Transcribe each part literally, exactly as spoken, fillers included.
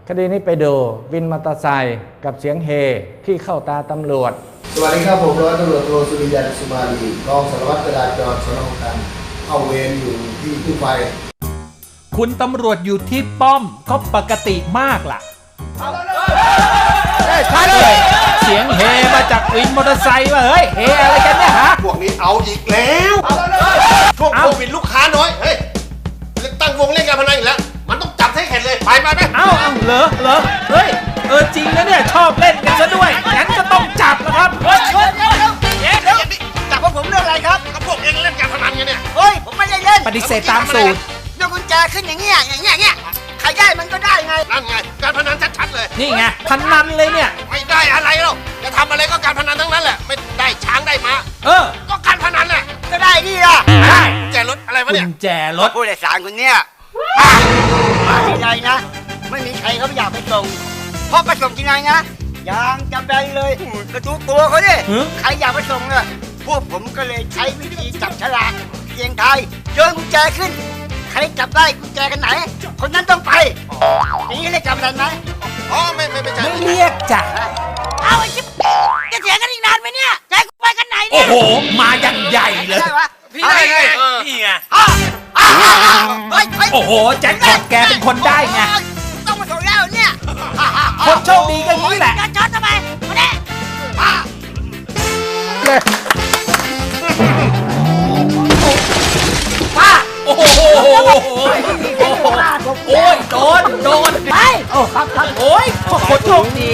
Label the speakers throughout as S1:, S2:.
S1: คดีนี้ไปดูวินมอเตอร์ไซค์กับเสียงเฮที่เข้าตาตำรวจ
S2: สวัสดีครับผมร้อยตำรวจโทสุริยันสุมาลีรองสารวัตรจราจรสน.คลองตันเข้าเวรอยู่ที่กู้ภัย
S3: คุณตำรวจอยู่ที่ป้อมก็ปกติมากล่ะชัดเลยเสียงเฮมาจากวินมอเตอร์ไซค์ว่าเฮ้ยเฮอะไรกันเนี่ยฮะ
S4: พวกนี้เอาอีกแล้วช่วงโควิดลูกค้าน้อยเฮ้ยตั้งวงเล่นการพนันอีกแล้วมันต้องจับให้เข็ดเลยไปไปไป
S3: เอ้าเอ้าเหรอเหรอเฮ้ยเออจริงนะเนี่ยชอบเล่นกันซะด้วยงั้นก็ต้องจับแล้วครับเฮ้ยเฮ้ยเฮ้ย
S4: เดี๋ยวเดี๋ยวจับพวกผมเรื่องอะไรครับก็พวกเองเล่นการพนันกันเนี่ย
S5: เฮ้ยผมไม่ได้เล่น
S3: ปฏิเสธตามสูตร
S5: ยกกุญแจขึ้นอย่างเงี้ยอย่างเงี้ยเงี้ยใครได้มันก็ได้ไง
S4: นั่นไงการพนันชัดๆเลย
S3: นี่ไงพนันเลยเนี่ย
S4: ไม่ได้อะไรหรอกจะทำอะไรก็การพนันทั้งนั้นแหละไม่ได้ช้างได้ม้า
S3: เออ
S4: ก็การพนันแหละ
S5: ก็ได้นี่ล่ะ
S3: ได้
S4: แจรถอะไรวะเนี่ย
S3: กุญแจรถ
S5: ผู้โดยสารคนเนี้ยมาที่ไหนนะไม่มีใครเขาอยากไปส่งเพราะไปส่งที่ไหนนะยางจะแบนเลยกระตุกตัวเขาดิใครอยากไปส่งเนี่ยพวกผมก็เลยใช้วิธีจับฉลากเสียงทายโยนกุญแจขึ้นใครจับได้กุญแจกันไหนคนนั้นต้องไปนี่เรียกจับได้ไหม
S4: อ๋อไม่ไม่ไม่ใช่
S3: ไม่เรียกจ้ะ
S5: เอาไอ้จิ๊บจะเสียกันอีกนานไหมเนี่ยใจกูไปกันไหน
S3: เนี่ยโอ้โหมาอย่างใหญ่เลย
S4: พี่ได้ไงพี่ไง
S3: โอ้โหแจ็คพอตแกเป็นคนได้ไง
S5: ต้องมาส่งแล้วเนี่ย
S3: คนโชคดีก็งี้แหละ
S5: จะช็อตทำไมมาเนี่ย
S3: ป้าโอ้โหโอ้ยโดนโดน
S5: ไปโอ้ครับครับ
S3: โอ้ยคนโชคดี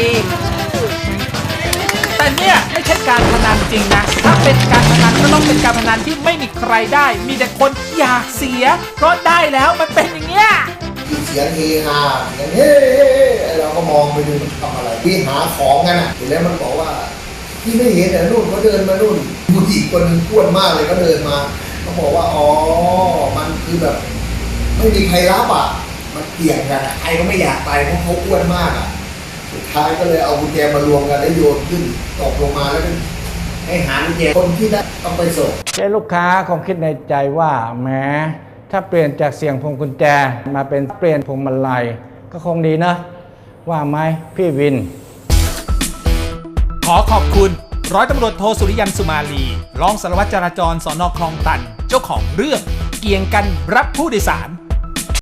S3: แต่เนี่ยไม่ใช่การพนันจริงนะถ้าเป็นการพนันก็ต้องเป็นการพนันที่ไม่มีใครได้มีแต่คนอยากเสียเพราะได้แล้วมันเป็นอย่างเงี้ย
S2: เสียงเฮฮาเสียงเฮ้เราก็มองไปดูมันทำอะไรพี่หาของกันอ่ะเห็นแล้วมันบอกว่าพี่ไม่เห็นแต่นู่นเขาเดินมานู่นผู้หญิงคนนึงอ้วนมากเลยก็เดินมาเขาบอกว่าอ๋อมันคือแบบไม่มีใครรับอ่ะมันเกี่ยงกันใครก็ไม่อยากไปเพราะเขาอ้วนมากอ่ะสุดท้ายก็เลยเอากุญแจมารวมกันแล้วโยนขึ้นตกลงมาแล้วให้หากุญแจคนที่ได้ต้องไปส่ง
S1: เจ้ลูกค้าคงคิดในใจว่าแม้ถ้าเปลี่ยนจากเสียงพวงกุญแจมาเป็นเปลี่ยนพวงมาลัยก็คงดีนะว่าไหมพี่วิน
S3: ขอขอบคุณร้อยตำรวจโทสุริยันสุมาลีรองสารวัตรจราจรสน.คลองตันเจ้าของเรื่องเกี่ยงกันรับผู้โดยสาร